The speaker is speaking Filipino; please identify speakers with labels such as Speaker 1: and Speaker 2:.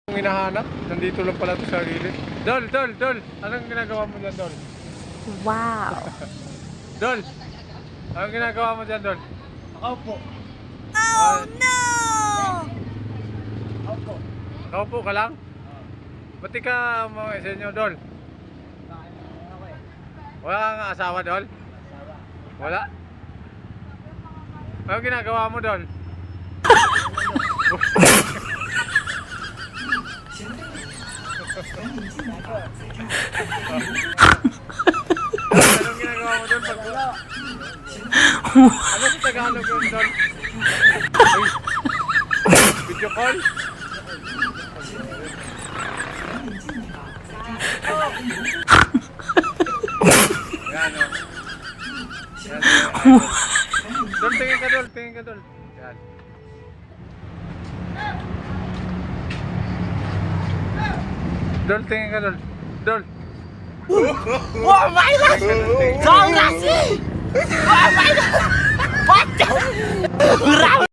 Speaker 1: hinahanap, nandito lang pala ito sa gilid. Dol! Anong ginagawa mo dyan, Dol?
Speaker 2: Wow.
Speaker 1: Dol! Anong ginagawa mo dyan, Dol?
Speaker 3: Nakaupo.
Speaker 2: Oh no!
Speaker 3: Nakaupo.
Speaker 1: Nakaupo ka lang? Ba't di ka mga sa inyo, Dol? Wala kang asawa, Dol? Wala? Anong ginagawa mo, Dol? Anong ginagawa mo doon pag... Ano sa Tagalog yun doon? Video call? Yan o. Doon, tingin ka doon, Yan. Dol, tingin ka, Dol. Dol.
Speaker 2: Oh my god! Kong Lassie! Oh my god! What the?